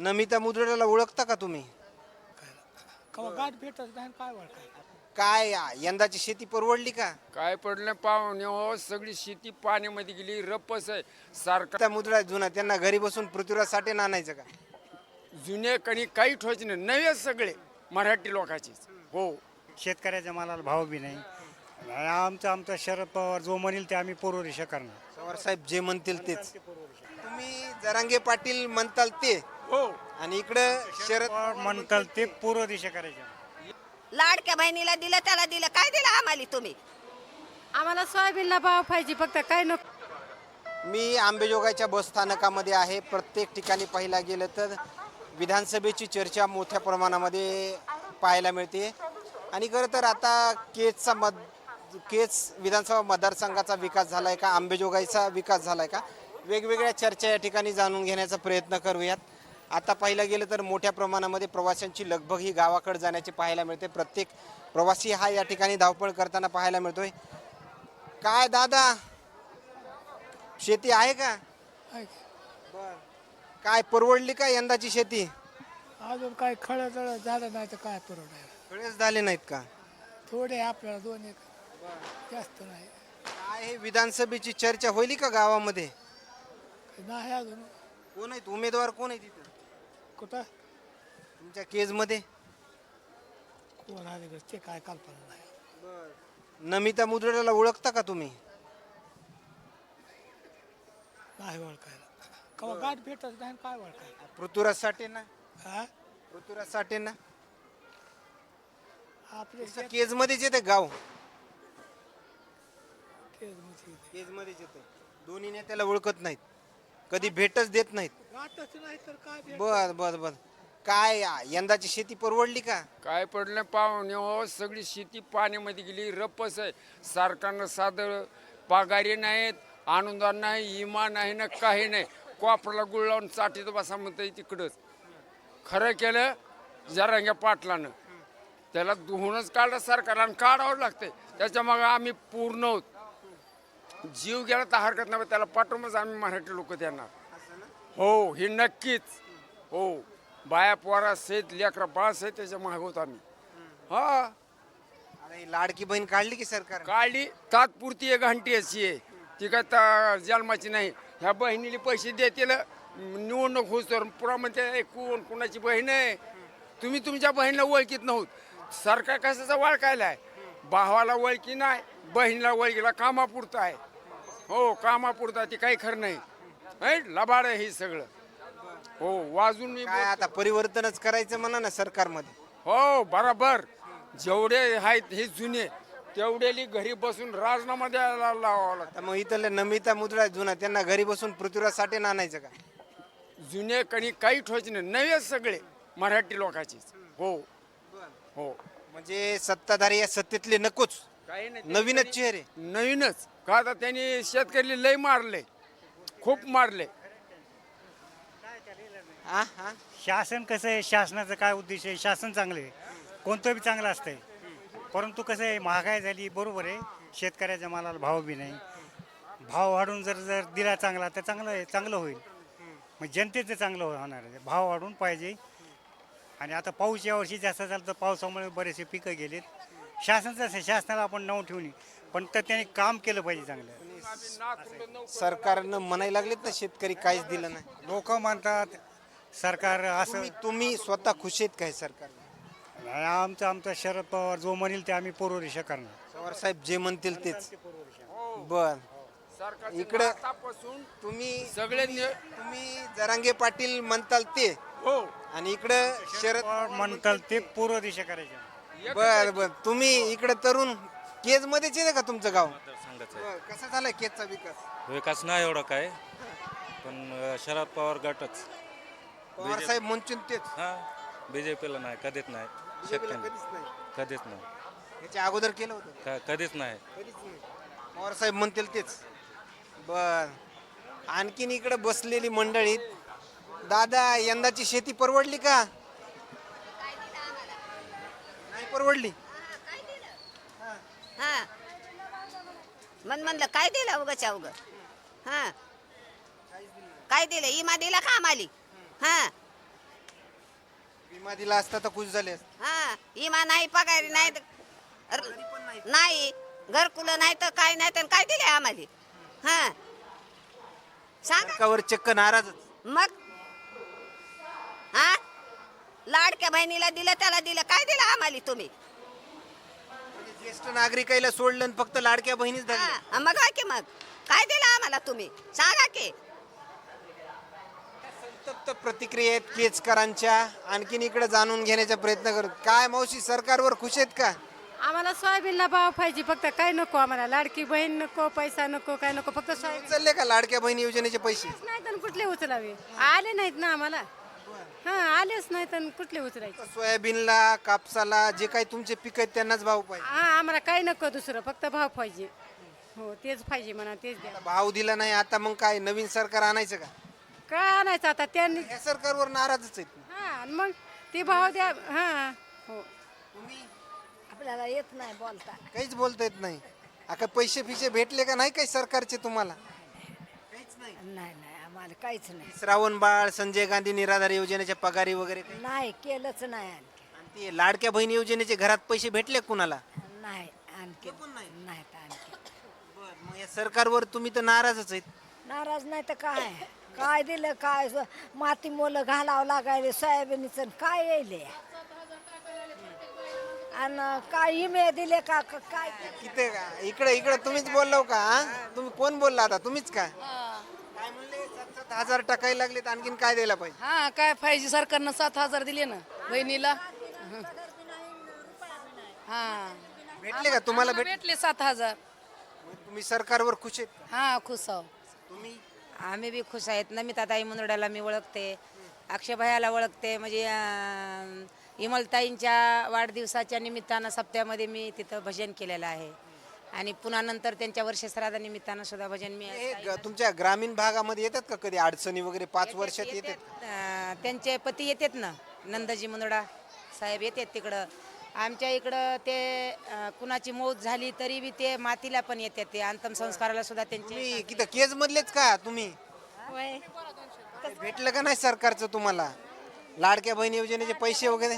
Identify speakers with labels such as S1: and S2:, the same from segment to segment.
S1: नमिता मुद्रेला ओळखता का तुम्ही?
S2: कवा गाठ भेटत नाही काय वळखाय
S1: काय यंदाची शेती परवडली का?
S3: काय पडलं पाहुणे हो, सगळी शेती पाण्यामध्ये गेली, रपस आहे सारखा.
S1: त्या मुद्रा जुना त्यांना घरी बसून पृथ्वीराज साठे आणायचं का?
S3: जुने कणी काही ठोयचे नाही, नवे सगळे मराठी लोकांचेच. हो,
S4: शेतकऱ्याच्या मालाला भाव बी नाही. आमचा शरद पवार जो म्हणेल ते आम्ही पूर्वरेषा करणार.
S1: पवार साहेब जे म्हणतील तेच. तुम्ही जरांगे पाटील म्हणताल ते
S3: हो.
S1: आणि इकडं शरद
S4: पवार म्हणताल ते पूर्व दिशा करायच्या.
S5: लाडक्या बहिणीला दिलं त्याला दिलं काय दिलं आम्हाला तुम्ही?
S6: आम्हाला सोयाबीनला भाव पाहिजे फक्त काय नको.
S1: मी आंबेजोगाईच्या बस स्थानकामध्ये आहे. प्रत्येक ठिकाणी पाहायला गेलं तर विधानसभेची चर्चा मोठ्या प्रमाणामध्ये पाहायला मिळते आणि खरं तर आता केज विधानसभा मतदारसंघाचा विकास झाला आहे का, आंबेजोगाईचा विकास झाला आहे का, वेगवेगळ्या चर्चा या ठिकाणी जाणून घेण्याचा प्रयत्न करूयात. आता पाहिलं गेलं तर मोठ्या प्रमाणामध्ये प्रवाशांची लगबग ही गावाकडे जाण्याची पाहायला मिळते. प्रत्येक प्रवासी हा या ठिकाणी धावपळ करताना पाहायला मिळतोय. काय दादा, शेती आहे का? काय परवडली का यंदाची शेती?
S2: अजून काय खळं जळ झालं नाही तर काय परवडायला.
S1: कळेच झाले नाहीत का?
S2: थोडे आपल्याला 2 एक जास्त नाही.
S1: काय हे विधानसभेची चर्चा होईल का गावामध्ये?
S2: नाही अजून.
S1: कोण आहेत उमेदवार, कोण आहे तिथं
S2: कुठं
S1: तुमच्या केजमध्ये?
S2: कोण आले ते काय कल्पना नाही.
S1: नमिता मुद्रेला ओळखता का तुम्ही?
S2: नाही ओळखायला. कवा गाठ भेटत नाही काय वळखाय.
S1: पृथ्वीराज साठे ना?
S2: हा
S1: पृथ्वीराज साठे ना?
S2: आपले
S1: केजमध्येच येते गाव,
S2: शेतकरी
S1: केजमध्येच येते. दोन्ही नेत्याला ओळखत नाहीत, कधी भेटच देत नाहीत.
S2: गाठच नाही तर काय भेट.
S1: बर बर बर. काय यंदाची शेती परवडली का?
S3: काय पडलं पाहुणे हो, सगळी शेती पाण्यामध्ये गेली, रपस आहे. सरकारनं साधं पगारी नाहीत, अनुदान नाही, इमा नाही ना काही नाही. कोपराला गुळ लावून चाटीत बसा म्हणतं तिकडंच. खरं केलं जरांग्या पाटलानं, त्याला धुवूनच काढलं सरकारला आणि काढावं लागतंय. त्याच्या मग आम्ही पूर्ण आहोत. जीव गेला तर हरकत नाही, त्याला पाठवूनच आम्ही मराठी लोक देणार. हो, हे नक्कीच. हो, बाया पोरा सहित लेकरा बाळ सहित त्याच्या मागवत आम्ही. हा,
S1: अरे ही लाडकी बहीण काढली की सरकार?
S3: काढली तात्पुरती एक घंटी अशी आहे, ती काय जन्माची नाही. ह्या बहिणीला पैसे देतील निवडणूक होस तर पुरा म्हणते कोण कोणाची बहीण आहे. तुम्ही तुमच्या बहिणीला ओळखीत नव्हत. सरकार कशाचा वळखायला आहे? भावाला ओळखी नाही, बहिणीला ओळखीला कामापुरतं आहे. हो, कामापुरता ती काही खरं नाही. लबाड आहे हे सगळं. हो, वाजून मी
S1: काय आता परिवर्तनच करायचं म्हणा ना सरकारमध्ये.
S3: हो, बरोबर. जेवढे आहेत हे जुने तेवढेली घरी बसून राजीनामा द्यायला लावावं लागतं.
S1: तर मग इथले नमिता मुद्रा जुना त्यांना घरी बसून पृथ्वीराज साठे आणायचं का?
S3: जुने कणी काही ठोयचे नाही, नवे सगळे मराठी लोकांचेच. हो हो,
S1: म्हणजे सत्ताधारी या सत्तेतले नकोच,
S3: काही नाही.
S1: नवीनच चेहरे.
S3: नवीनच का आता त्यांनी शेतकरी लय मारले, खूप मारले.
S1: हा हा.
S4: शासन कसं आहे, शासनाचा काय उद्देश आहे? शासन चांगलं आहे, कोणतं बी चांगलं असतंय. परंतु कसं आहे, महागाई झाली, बरोबर आहे. शेतकऱ्याच्या मालाला भाव बी नाही. भाव वाढून जर दिला चांगला तर चांगलं होईल. मग जनतेचं चांगलं होणार आहे. भाव वाढून पाहिजे. आणि आता पाऊस यावर्षी जास्त झाला तर पावसामुळे बरेचसे पिकं गेलेत. शासनाचं असं, शासनाला आपण नाव ठेवून, पण तर त्याने काम केलं पाहिजे चांगलं.
S1: सरकारनं म्हणायला लागलेत ना शेतकरी काहीच दिलं नाही.
S4: लोक म्हणतात सरकार असं.
S1: तुम्ही स्वतः खुश आहेत काय सरकार?
S4: नाही, आमचा शरद पवार जो म्हणेल ते आम्ही पूर्वरेषा करणार.
S1: पवार साहेब जे म्हणतील तेच. बर. इकडे
S3: आतापासून
S1: तुम्ही
S3: सगळे
S1: तुम्ही जरांगे पाटील म्हणताल ते
S3: हो,
S1: आणि इकडं शरद
S4: पवार म्हणताल ते पूर्व दिशा करायच्या.
S1: बर बर. तुम्ही इकडे तरुण केज मध्येच येते का तुमचं गाव?
S7: मतदारसंघाचा
S1: बर. कसा झालाय केजचा विकास?
S7: विकास नाही एवढा काय, पण शरद पवार गटच.
S1: पवार साहेब म्हणतील तेच.
S7: हा, बीजेपीला नाही, कधीच नाही.
S1: बीजेपीला
S7: शेतकरी
S1: कधीच नाही.
S7: कधीच नाही,
S1: याच्या अगोदर केलं होतं?
S7: कधीच नाही.
S1: कधीच नाही. पवार साहेब म्हणतील तेच. बर. आणखीन इकडे बसलेली मंडळीत. दादा, यंदाची शेती परवडली का? नाही परवडली.
S5: हा म्हणलं काय दिलं उगाच्या उग. हा काय दिलं? इमा दिला का आम्हाला? हा
S1: विमा दिला असता तर खुश झाले असते.
S5: हा इमा नाही पगारी नाही नाही घरकुलं नाही तर काय नाही तर काय दिले आम्हाला हा सांगा
S1: सरकारवर चक्क नाराजच.
S5: मग हा लाडक्या बहिणीला दिलं त्याला दिलं काय दिलं आम्हाला तुम्ही
S1: म्हणजे ज्येष्ठ नागरिकाला सोडलं आणि फक्त लाडक्या बहिणीच धरल्या.
S5: हा मग काय की मग काय दिलं आम्हाला तुम्ही सांगा की
S1: संतप्त प्रतिक्रिया आहेत केजकरांच्या. आणखीन इकडे जाणून घेण्याचा प्रयत्न करू. काय मावशी, सरकारवर खुश आहेत का?
S6: आम्हाला सोयाबीनला भाव पाहिजे फक्त काय नको आम्हाला लाडकी बहीण नको पैसा नको काय नको फक्त सोयाबीन
S1: उचलले का लाडक्या बहिणी योजनेचे पैसे?
S6: नाही तर कुठले उचलावे आले नाहीत ना आम्हाला हा आलेच नाही तर कुठले उचलायचे
S1: सोयाबीनला, कापसाला, जे काही तुमचे पीक आहेत त्यांनाच भाव पाहिजे.
S6: हा आम्हाला काही नको दुसरं फक्त भाव पाहिजे हो तेच पाहिजे म्हणा तेच द्या
S1: भाव दिला नाही आता मग काय नवीन सरकार आणायचं का?
S6: काय आणायचं आता त्यांनी
S1: या सरकारवर नाराजच आहेत.
S6: हा आणि मग ते भाव द्या हा हो
S8: आपल्याला येत नाही बोलता.
S1: काहीच बोलता येत नाही. आता पैसे फिशे भेटले का नाही काही सरकारचे तुम्हाला? काहीच नाही.
S8: नाही नाही आम्हाला काहीच नाही.
S1: श्रावण बाळ, संजय गांधी निराधार योजनेच्या पगारी वगैरे काही?
S8: नाही केलंच नाही आणखी.
S1: आणि ते लाडक्या बहिणी योजनेचे घरात पैसे भेटले कुणाला?
S8: नाही आणखी
S1: पण नाही.
S8: नाहीत आणखी.
S1: मग या सरकारवर तुम्ही तर नाराजच आहेत.
S8: नाराज नाही तर काय काय दिलं काय माती मोलं घालावं लागायले सोयाबीनचं काय येईल आणि काय इमे दिले का काय
S1: किती इकडे इकडे तुम्हीच बोललो का? हा? तुम्ही कोण बोलला आता? तुम्हीच का? काय म्हणले? 7,000 टाकायला लागलेत. आणखीन काय द्यायला पाहिजे?
S9: हा काय पाहिजे सरकारनं 7,000 दिले ना बहिणीला हा
S1: भेटले का तुम्हाला?
S9: भेटले 7,000
S1: तुम्ही सरकारवर खुश आहेत का?
S9: हा खुश आहो
S1: तुम्ही?
S10: आम्ही बी खुश आहेत. नमिताताई मुंदड्याला मी ओळखते, अक्षयभयाला ओळखते. म्हणजे इमलताईंच्या वाढदिवसाच्या निमित्तानं सप्त्यामध्ये मी तिथं भजन केलेलं आहे आणि पुन्हा नंतर त्यांच्या वर्षश्राद्धानिमित्तानं सुद्धा भजन मी
S1: हे तुमच्या ग्रामीण भागामध्ये येतात का कधी अडचणी वगैरे? 5 वर्षात येतात?
S10: त्यांचे पती येतात ना, नंदजी मुंदडा साहेब येतात तिकडं. आमच्या इकडं ते कुणाची मौत झाली तरी बी ते मातीला पण येतात. ते अंतिम संस्काराला सुद्धा त्यांचे
S1: तुम्ही किती केज मधलेच का तुम्ही? भेटलं का नाही सरकारचं तुम्हाला लाडक्या बहिणी योजनेचे पैसे वगैरे?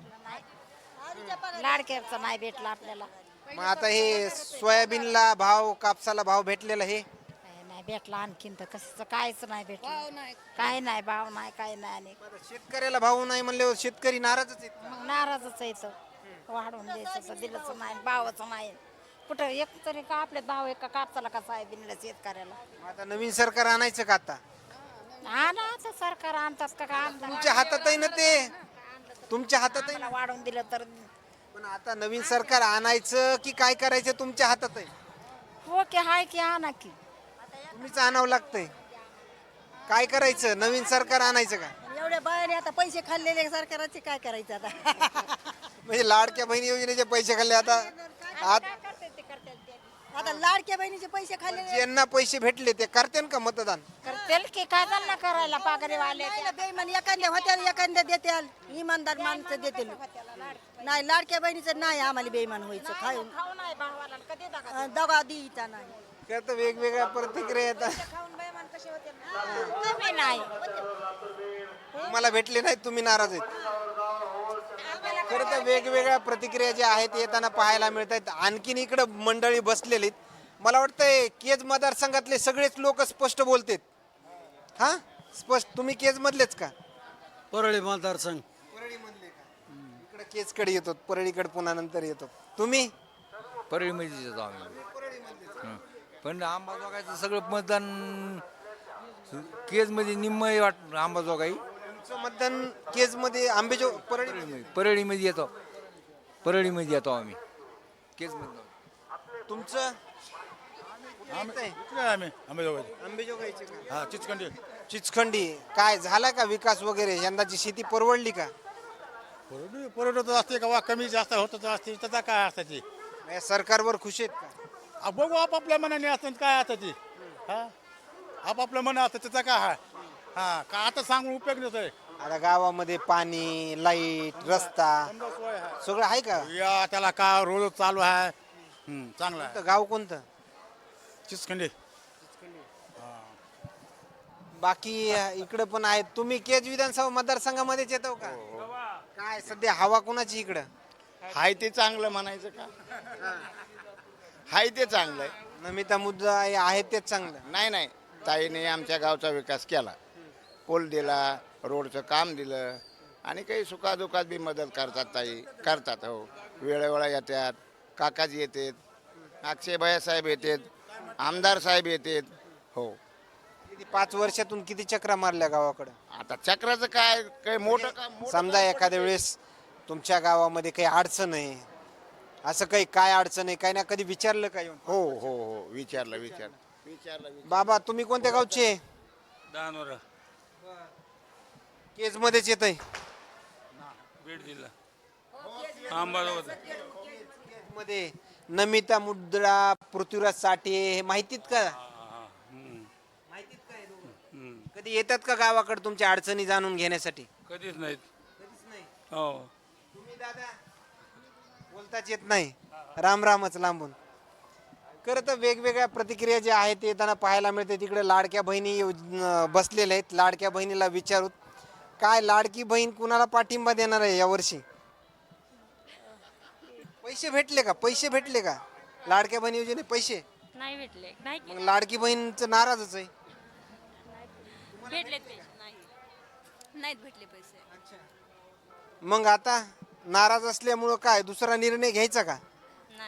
S8: लाडक्याचं नाही भेटलं आपल्याला.
S1: मग आता हे सोयाबीनला भाव, कापसाला भाव भेटलेला हे
S8: नाही भेटलं आणखीन तर कसं कायच नाही भेटलं. काय नाही भाव नाही काय नाही आणि
S1: आता शेतकऱ्याला भाव नाही म्हणल्यावर शेतकरी नाराजच आहेत.
S8: मग नाराजच यायचं वाढवून द्यायचं तर दिलंच नाही भावच नाही कुठं एक तरी का आपले भाव एका कापसाला का साहेबीनला शेतकऱ्याला
S1: मग आता नवीन सरकार आणायचं का आता?
S8: हा ना आता सरकार आणतात का आणतात
S1: तुमच्या हातात आहे ना ते, तुमच्या हातात आहे ना.
S8: वाढवून दिलं तर
S1: पण आता नवीन सरकार आणायचं की काय करायचं तुमच्या हातात आहे.
S8: हो की हाय की आणा की
S1: तुम्हीच आणावं लागतंय. काय करायचं? नवीन सरकार आणायचं का?
S8: एवढ्या बायाने आता पैसे खाल्लेले सरकाराचे काय करायचं आता
S1: म्हणजे लाडक्या बहिणी योजनेचे पैसे खाल्ले आता.
S8: आता लाडक्या बहिणीचे पैसे खाल्ले
S1: ज्यांना पैसे भेटले ते करते का मतदान?
S8: करतील की काय त्यांना करायला पागरे वाले बेईमान एखाद्या होत्या एखाद्या देतील इमानदार माणसं देतील नाही लाडक्या बहिणीचं नाही आम्हाला बेईमान व्हायचं खाऊन दगा द्यायचा नाही
S1: त्यात वेगवेगळ्या प्रतिक्रिया येतात.
S8: कमी नाही
S1: तुम्हाला भेटले नाहीत, तुम्ही नाराज आहेत. खरं तर वेगवेगळ्या प्रतिक्रिया ज्या आहेत येताना पाहायला मिळत आहेत. आणखीन इकडं मंडळी बसलेली आहेत. मला वाटतंय केज मतदारसंघातले सगळेच लोक स्पष्ट बोलतात. हा स्पष्ट. तुम्ही केज मधलेच का?
S2: परळी मतदारसंघ
S1: परळी मधले का? इकडे केजकडे येतो, परळीकडे पुन्हा नंतर येतो. तुम्ही?
S7: परळीमध्ये येतो आम्ही. हं. पण आंबाजोगाईचं सगळं मतदान केजमध्ये निम्म वाट आंबाजोगाई
S1: तुमचं मतदान केज मध्ये आंबेजो परळी
S7: परळीमध्ये येतो. परळीमध्ये येतो आम्ही केजमध्ये.
S1: तुमचं
S2: आम्ही
S1: आंबेजोगाईचे का?
S2: हा चिचखंडी
S1: चिचखंडी. काय झाला का विकास वगैरे? यंदाची शेती परवडली का?
S2: परवडत असते का वा कमी जास्त होत असते त्याचा काय असतं ती
S1: या सरकारवर खुश आहेत का?
S2: बघू आपापल्या मनाने असतं काय असतं ती हा आपापल्या मना असतं त्याचा काय हा हा का आता सांगून उपयोग नसतोय.
S1: आता गावामध्ये पाणी, लाईट, रस्ता सगळं आहे का?
S2: या त्याला का रोज चालू आहे चांगला आहे.
S1: कोणतं गाव कोणतं?
S2: चिचखंडी
S1: बाकी इकडे पण आहेत. तुम्ही केज विधानसभा मतदारसंघामध्येच येतो का? काय सध्या हवा कोणाची इकडं?
S2: हाय ते चांगलं म्हणायचं का? हाय ते चांगलं आहे.
S1: नमिता मुद्दा आहे तेच चांगलं.
S2: नाही नाही, ताईने आमच्या गावचा विकास केला, पूल दिला, रोडचं काम दिलं आणि काही सुखादुखात बी मदत करतात ताई, करतात. हो, वेळोवेळा येतात, काकाजी येतात, अक्षय भैया साहेब येतात, आमदार साहेब येतात. हो,
S1: किती 5 वर्षातून किती चक्रा मारल्या गावाकडं?
S2: आता चक्राचं काय काही मोठं काम
S1: समजा एखाद्या वेळेस तुमच्या गावामध्ये काही अडचण आहे, असं काही काय अडचण आहे काय ना कधी विचारलं का येऊन?
S2: हो हो हो, विचारलं.
S1: बाबा तुम्ही कोणत्या गावचे?
S7: दानोरा
S1: केज मध्येच येत आहे.
S7: बीड जिल्हा अंबाजोगाई.
S1: मध्ये नमिता मुद्रा, पृथ्वीराज साठे हे माहितीत का? माहितीत काय दोघं? कधी येतात का गावाकडे तुमच्या अडचणी जाणून घेण्यासाठी?
S7: कधीच नाहीत.
S1: कधीच नाही.
S7: हो,
S1: तुम्ही दादा बोलताच येत नाही, राम रामच लांबून. खरं तर वेगवेगळ्या प्रतिक्रिया ज्या आहेत ते येताना पाहायला मिळते. तिकडे लाडक्या बहिणी बसलेल्या आहेत. लाडक्या बहिणीला विचारूत काय लाडकी बहीण कुणाला पाठिंबा देणार आहे यावर्षी? पैसे भेटले का? पैसे भेटले का? लाडक्या बहिणी योजने पैसे
S6: नाही भेटले, नाही
S1: मग लाडकी बहीणचं नाराजच आहे.
S6: भेटले पैसे, नाहीत भेटले पैसे.
S1: मग आता नाराज असल्यामुळं काय दुसरा निर्णय घ्यायचा का?
S6: नाही.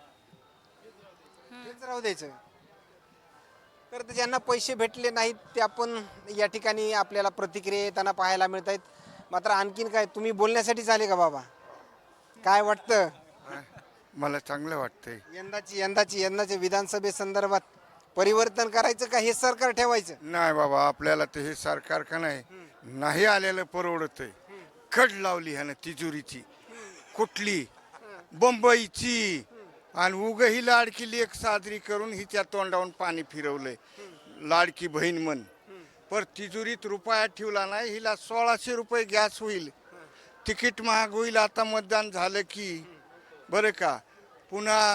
S1: तेच राहू द्यायचं. तर ते ज्यांना पैसे भेटले नाहीत ते आपण या ठिकाणी आपल्याला प्रतिक्रिया येताना पाहायला मिळत आहेत. मात्र आणखीन काय तुम्ही बोलण्यासाठी झाले का बाबा? काय वाटतं
S2: मला चांगलं वाटतंय.
S1: यंदाच्या विधानसभे संदर्भात परिवर्तन करायचं का हे सरकार ठेवायचं?
S2: नाही बाबा, आपल्याला ते हे सरकार का नाही आलेलं परवडतंय. कड लावली ह्यानं तिजोरीची कुठली बंबईची आणि उग ही लाडकी लेक साजरी करून हिच्या तोंडावून पाणी फिरवलंय. लाडकी बहीण म्हण पर तिजोरीत रुपया ठेवला नाही. हिला 1600 रुपये गॅस होईल, तिकीट महाग होईल आता मतदान झालं की, बरं का. पुन्हा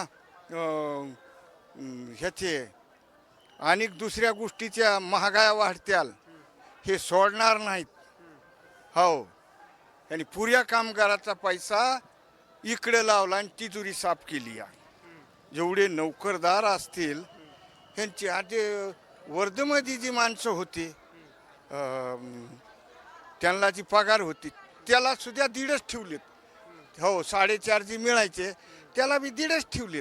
S2: ह्याचे आणि दुसऱ्या गोष्टीच्या महागाया वाढत्याल, हे सोडणार नाहीत. हो, आणि पुऱ्या कामगाराचा पैसा इकडे लावला आणि तिजोरी साफ केली आहे. जेवढे नोकरदार असतील ह्यांची आधी वर्धेमध्ये जी माणसं होती त्यांना जी पगार होती त्याला सुद्धा 1.5 ठेवलेत. हो, 4.5 जी मिळायचे त्याला बी 1.5 ठेवलेत.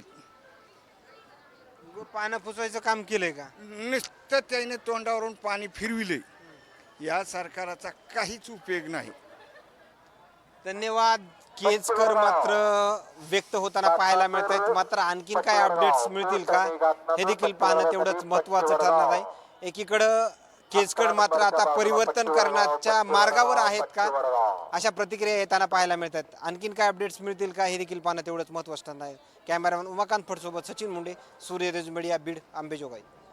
S1: पानं पुसवायचं काम केलंय का?
S2: नुसतं त्याने तोंडावरून पाणी फिरविले. या सरकाराचा काहीच उपयोग नाही.
S1: धन्यवाद. केजकर मात्र व्यक्त होताना पाहायला मिळत आहेत. मात्र आणखीन काय अपडेट्स मिळतील का हे देखील पाहणं तेवढंच महत्त्वाचं ठरणार आहे. एकीकडं केजकर मात्र आता परिवर्तन करण्याच्या मार्गावर आहेत का अशा प्रतिक्रिया येताना पाहायला मिळतात. आणखीन काय अपडेट्स मिळतील का हे देखील पाहणं तेवढंच महत्त्वाचं ठरणार आहे. कॅमेरामॅन उमाकांत फडसोबत सचिन मुंडे, सूर्यराज मीडिया, बीड, अंबेजोगाई.